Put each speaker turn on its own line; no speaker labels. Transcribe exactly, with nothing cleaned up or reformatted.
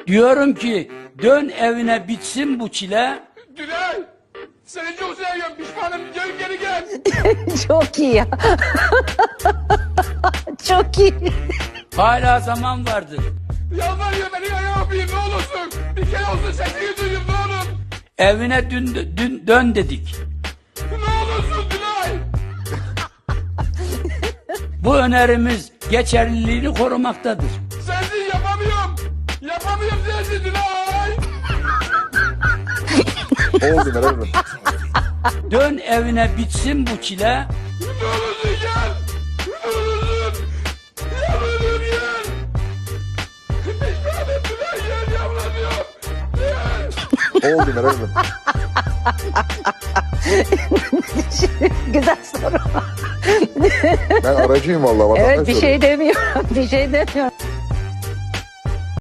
Diyorum ki dön evine bitsin bu çile.
Tülay, seni çok seviyorum, pişmanım, gel geri gel.
Çok iyi ya. Çok iyi.
Hala zaman vardır.
Yalvarıyor beni ayağa öpeyim ne olursun. Bir kere olsun sesini duyayım ne olur.
Evine dün, dün dön dedik.
Ne olursun Tülay.
Bu önerimiz geçerliliğini korumaktadır.
Sensiz yapamıyorum. Yapamıyorum sensiz Tülay.
Oldu Meral Hanım.
Dön evine bitsin bu çile.
Ne olursun gel. Ne olursun. Yalvarıyorum gel. Pişmanım Tülay gel yalvarıyorum. Gel.
Oldu Meral Hanım.
Güzel soru.
Ben aracıyım vallahi.
Evet
vatandaş
bir
soruyor.
şey demiyorum. Bir şey demiyorum.